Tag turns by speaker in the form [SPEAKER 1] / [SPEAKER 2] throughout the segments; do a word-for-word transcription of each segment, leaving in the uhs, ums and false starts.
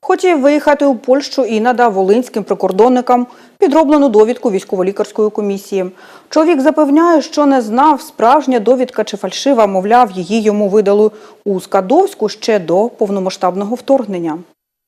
[SPEAKER 1] Хотів виїхати у Польщу і надав волинським прикордонникам підроблену довідку військово-лікарської комісії. Чоловік запевняє, що не знав, справжня довідка чи фальшива, мовляв, її йому видали у Скадовську ще до повномасштабного вторгнення.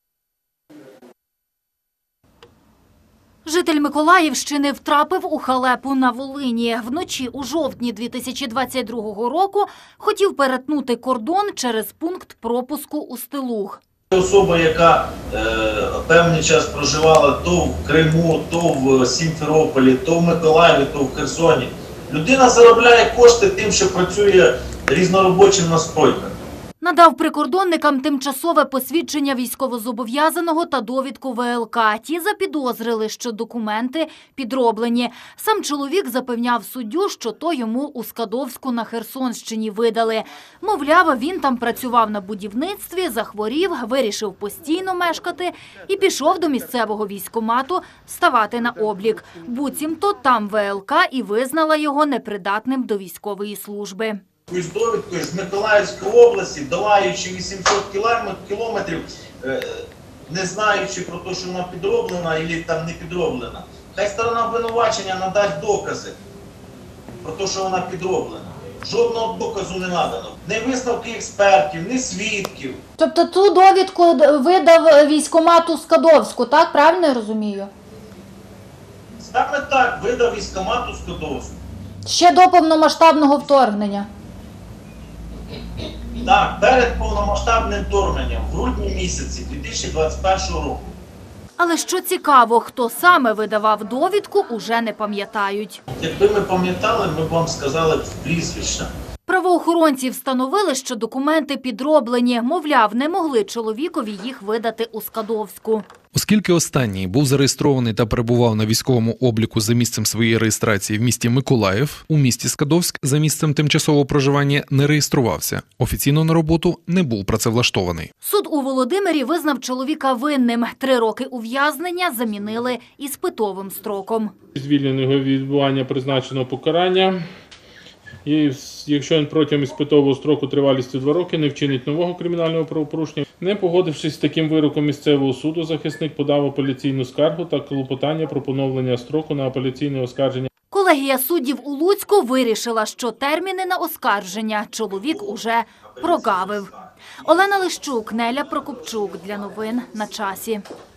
[SPEAKER 2] Житель Миколаївщини втрапив у халепу на Волині. Вночі у жовтні дві тисячі двадцять другого року хотів перетнути кордон через пункт пропуску у Стилуг.
[SPEAKER 3] Особа, яка е, певний час проживала то в Криму, то в Сімферополі, то в Миколаєві, то в Херсоні. Людина заробляє кошти тим, що працює різноробочим на стройках.
[SPEAKER 2] Надав прикордонникам тимчасове посвідчення військовозобов'язаного та довідку В Л К. Ті запідозрили, що документи підроблені. Сам чоловік запевняв суддю, що то йому у Скадовську на Херсонщині видали. Мовляв, він там працював на будівництві, захворів, вирішив постійно мешкати і пішов до місцевого військкомату ставати на облік. Буцімто там В Л К і визнала його непридатним до військової служби.
[SPEAKER 3] З довідкою з Миколаївської області, долаючи вісімсот кілометрів, не знаючи про те, що вона підроблена або там не підроблена. Хай сторона обвинувачення надасть докази про те, що вона підроблена. Жодного доказу не надано. Ні висновки експертів, ні свідків.
[SPEAKER 4] Тобто ту довідку видав військкомату Скадовську, так? Правильно я розумію?
[SPEAKER 3] Саме так видав військкомату Скадовську.
[SPEAKER 4] Ще до повномасштабного вторгнення.
[SPEAKER 3] Так, перед повномасштабним вторгненням, в грудні місяці дві тисячі двадцять першого року.
[SPEAKER 2] Але що цікаво, хто саме видавав довідку, уже не пам'ятають.
[SPEAKER 3] Якби ми пам'ятали, ми б вам сказали б прізвища.
[SPEAKER 2] Правоохоронці встановили, що документи підроблені. Мовляв, не могли чоловікові їх видати у Скадовську.
[SPEAKER 5] Оскільки останній був зареєстрований та перебував на військовому обліку за місцем своєї реєстрації в місті Миколаїв, у місті Скадовськ за місцем тимчасового проживання не реєструвався. Офіційно на роботу не був працевлаштований.
[SPEAKER 2] Суд у Володимирі визнав чоловіка винним. Три роки ув'язнення замінили іспитовим строком.
[SPEAKER 6] Звільненого від відбування призначеного покарання. І якщо він протягом іспитового строку тривалістю два роки не вчинить нового кримінального правопорушення, не погодившись з таким вироком місцевого суду, захисник подав апеляційну скаргу та клопотання про поновлення строку на апеляційне оскарження.
[SPEAKER 2] Колегія суддів у Луцьку вирішила, що терміни на оскарження чоловік уже прогавив. Олена Лищук, Неля Прокопчук. Для новин на часі.